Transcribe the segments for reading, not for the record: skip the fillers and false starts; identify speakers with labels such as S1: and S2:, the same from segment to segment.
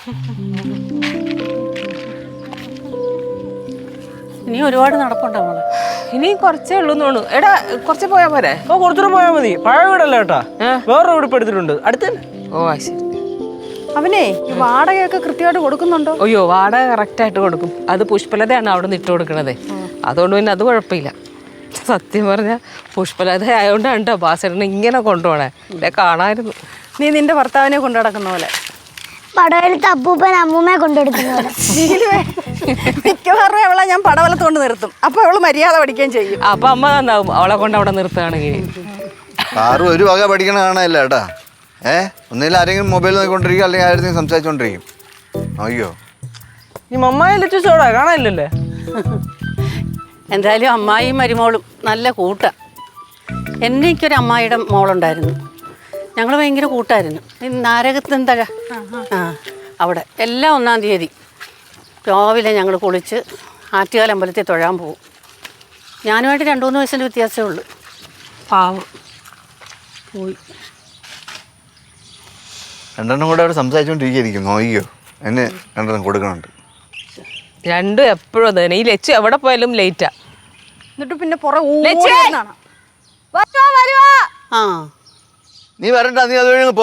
S1: ഇനി ഒരുപാട് നടപ്പുണ്ടോ മോളെ?
S2: ഇനി കുറച്ചേ ഉള്ളൂ തോന്നുന്നു. എടാ കുറച്ച് പോയാ പോരെ?
S3: കുറച്ചുകൂടെ പോയാൽ മതി. പഴയ വീടല്ലേ കേട്ടാ, വേറൊരു വീട് എടുത്തിട്ടുണ്ട് അടുത്ത്.
S2: ഓ ശരി.
S1: അവനെ ഈ വാടകയൊക്കെ കൃത്യമായിട്ട് കൊടുക്കുന്നുണ്ടോ?
S2: അയ്യോ വാടക കറക്റ്റായിട്ട് കൊടുക്കും. അത് പുഷ്പലതയാണ് അവിടെ നിന്ന് ഇട്ട് കൊടുക്കണത്. അതുകൊണ്ട് പിന്നെ അത് കുഴപ്പമില്ല. സത്യം പറഞ്ഞാൽ പുഷ്പലത ആയതുകൊണ്ടാണ് കേട്ടോ ബാസേട്ടനെ ഇങ്ങനെ കൊണ്ടുപോണേ. എന്നെ കാണാമായിരുന്നു.
S1: നീ നിന്റെ ഭർത്താവിനെ കൊണ്ടു നടക്കുന്ന പോലെ.
S4: പടവലത്ത് അപ്പൂപ്പൻ അമ്മൂമ്മയെ കൊണ്ടെടുക്കുന്ന പോലെ.
S1: മിക്കവാറും അവളെ ഞാൻ പടവലത്ത് കൊണ്ട് നിർത്തും. അപ്പൊ അവള് മര്യാദ പഠിക്കുകയും ചെയ്യും.
S2: അപ്പൊ അമ്മ നന്നാവും അവളെ കൊണ്ട് അവിടെ നിർത്തുകയാണെങ്കിൽ.
S5: ആറും ഒരു വക പഠിക്കണ കാണാനില്ല കേട്ടാ. ഒന്നില്ല ആരെങ്കിലും മൊബൈൽ നോക്കിക്കൊണ്ടിരിക്കും, അല്ലെങ്കിൽ ആരെങ്കിലും സംസാരിച്ചോണ്ടിരിക്കും. അയ്യോ
S3: ഈ മമ്മായ ലച്ചോടാ കാണാനില്ലല്ലേ.
S1: എന്തായാലും അമ്മായിയും മരുമോളും നല്ല കൂട്ടാ. എനിക്കൊരു അമ്മായിയുടെ മോളുണ്ടായിരുന്നു. ഞങ്ങൾ ഭയങ്കര കൂട്ടായിരുന്നു. നാരകത്തെന്തഴ അവിടെ എല്ലാം 1-ാം തീയതി രാവിലെ ഞങ്ങൾ കുളിച്ച് ആറ്റുകാൽ അമ്പലത്തിൽ തൊഴാൻ പോകും. ഞാനുമായിട്ട് 2-3 വയസ്സിൻ്റെ വ്യത്യാസമേ ഉള്ളൂ. പാവം പോയി.
S5: രണ്ടെണ്ണം കൂടെ അവിടെ സംസാരിച്ചോണ്ടിരിക്കും. നോക്കിയോ, എന്നെ രണ്ടെണ്ണം കൊടുക്കണുണ്ട്.
S2: രണ്ടും എപ്പോഴും തന്നെ. ഈ ലച്ചു എവിടെ പോയാലും ലേറ്റാ.
S1: എന്നിട്ട് പിന്നെ പുറകെ ആ
S5: നീ വരണ്ട, നീ അത് വഴി പോ.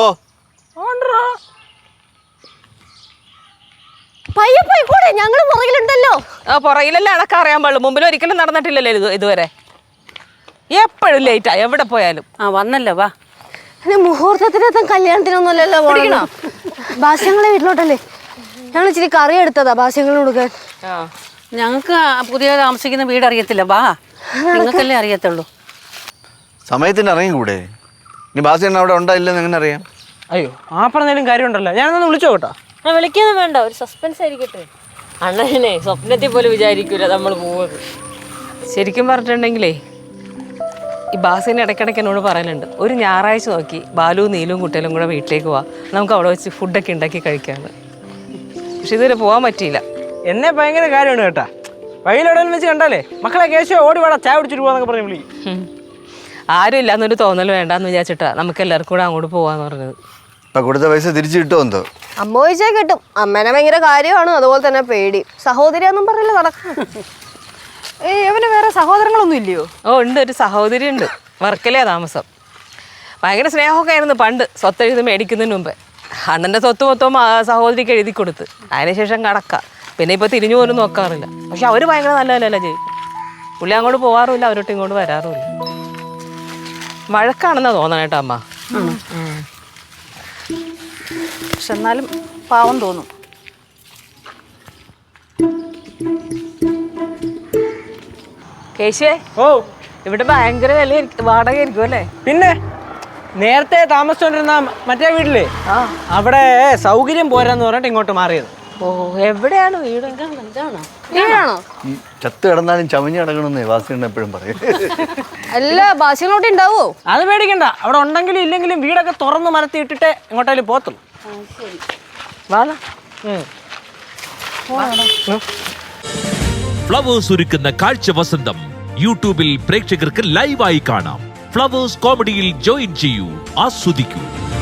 S4: പയ്യെ പോയിക്കൂടെ, ഞങ്ങള് പുറകിലുണ്ടല്ലോ.
S2: പുറകിലല്ലേ അടക്കം അറിയാൻ പാടുള്ളൂ. മുമ്പിൽ ഒരിക്കലും നടന്നിട്ടില്ലല്ലോ ഇതുവരെ. എപ്പോഴും ലേറ്റാ എവിടെ പോയാലും.
S1: വന്നല്ലോ വാ.
S4: മുഹൂർത്തത്തിനെത്തും കല്യാണത്തിനൊന്നുമല്ലല്ലോ പോകണോ. ഭാഷ്യങ്ങളെ വീട്ടിലോട്ടല്ലേ ഞങ്ങൾ ഇച്ചിരി കറി എടുത്തതാ ഭാഷ്യങ്ങൾ കൊടുക്കാൻ.
S1: ഞങ്ങൾക്ക് പുതിയ താമസിക്കുന്ന വീട് അറിയത്തില്ല. വാ, നിങ്ങൾക്കല്ലേ അറിയത്തുള്ളൂ.
S5: സമയത്തിന് ഇറങ്ങിക്കൂടെ? ഇനി ബാസിയണ്ണ അവിടെ ഉണ്ടായില്ലെന്ന് എങ്ങനെ അറിയാം?
S3: അയ്യോ ആ പറഞ്ഞാലും കാര്യമുണ്ടല്ലോ. ഞാനൊന്ന് വിളിച്ചോ കേട്ടോ.
S4: വിളിക്കൊന്നും വേണ്ട, ഒരു സസ്പെൻസ് ആയിരിക്കട്ടെ.
S2: അണ്ണനെ സ്വപ്നത്തിൽ പോലും വിചാരിക്കൂല നമ്മൾ പോവുന്നത്. ശരിക്കും പറഞ്ഞിട്ടുണ്ടെങ്കിലേ ഈ ബാസിന് ഇടയ്ക്കിടയ്ക്ക് എന്നോട് പറയലുണ്ട്, ഒരു ഞായറാഴ്ച നോക്കി ബാലുവും നീലും കുട്ടികളും കൂടെ വീട്ടിലേക്ക് പോവാം, നമുക്ക് അവിടെ വെച്ച് ഫുഡൊക്കെ ഉണ്ടാക്കി കഴിക്കാമെന്ന്. പക്ഷെ ഇതുവരെ പോകാൻ പറ്റിയില്ല.
S3: എന്നെ ഭയങ്കര കാര്യമാണ് കേട്ടാ. വഴിയിലെവിടെയും വെച്ച് കണ്ടാലേ മക്കളെ കേശോ ഓടി വേണം ചായ കുടിച്ചിട്ട് പോവാന്നൊക്കെ പറഞ്ഞ് വിളി.
S2: ആരും ഇല്ലാന്നൊരു തോന്നൽ വേണ്ടാന്ന് വിചാരിച്ചിട്ടാ നമുക്ക് എല്ലാവർക്കും കൂടെ അങ്ങോട്ട് പോവാന്ന് പറഞ്ഞത്.
S5: ഇപ്പൊ കൊടുത്ത പൈസ തിരിച്ചു കിട്ടുമോ എന്തോ?
S4: അമ്മ ചോദിച്ചാൽ കിട്ടും. അമ്മേനെ ഭയങ്കര കാര്യമാണ്, അതുപോലെ തന്നെ പേടി. സഹോദരിയാന്നും പറയില്ല നടക്കണം.
S1: ഇവന് വേറെ സഹോദരങ്ങളൊന്നും ഇല്ലയോ?
S2: ഉണ്ട്, ഒരു സഹോദരി ഉണ്ട്. വർക്കലേ താമസം. ഭയങ്കര സ്നേഹമൊക്കെ ആയിരുന്നു പണ്ട്, സ്വത്ത് എഴുതി മേടിക്കുന്നതിന് മുമ്പേ. അണ്ണൻ്റെ സ്വത്ത് മൊത്തം സഹോദരിക്ക് എഴുതി കൊടുത്ത് അതിനുശേഷം കടക്കാം. പിന്നെ ഇപ്പോൾ തിരിഞ്ഞു പോലും നോക്കാറില്ല. പക്ഷെ അവർ ഭയങ്കര നല്ലതല്ല ചെയ്യും. പുള്ളി അങ്ങോട്ട് പോകാറുമില്ല, അവരോട്ട് ഇങ്ങോട്ട് വരാറുമില്ല. വഴക്കാണെന്നാ തോന്നണേട്ടോ അമ്മ.
S1: പക്ഷെ എന്നാലും പാവം തോന്നും.
S2: കേശുവേ, ഇവിടെ ഭയങ്കര വില വാടക ആയിരിക്കും അല്ലേ?
S3: പിന്നെ നേരത്തെ താമസിച്ചോണ്ടിരുന്ന മറ്റേ വീട്ടില് അവിടെ സൗകര്യം പോരാന്ന് പറഞ്ഞിട്ട് ഇങ്ങോട്ട് മാറിയത്.
S2: ഓ, എവിടെയാണ് വീട്?
S4: വീടാണോ?
S5: ചത്ത് കിടന്നാലും ചമഞ്ഞ് കിടക്കണമെന്നേ വാസിയണ്ണ എപ്പോഴും പറയും.
S4: അല്ല ഭാഷ്യങ്ങളോട്ട് ഉണ്ടാവോ?
S3: അത് പേടിക്കണ്ട, അവിടെ ഉണ്ടെങ്കിലും ഇല്ലെങ്കിലും വീടൊക്കെ തുറന്ന് മരത്തി ഇട്ടിട്ട് എങ്ങോട്ടായാലും പോത്തുള്ളൂ.
S6: ഫ്ലവേഴ്സ് ഒരുക്കുന്ന കാഴ്ച വസന്തം യൂട്യൂബിൽ പ്രേക്ഷകർക്ക് ലൈവായി കാണാം. ഫ്ലവേഴ്സ് കോമഡിയിൽ ജോയിൻ ചെയ്യൂ, ആസ്വദിക്കൂ.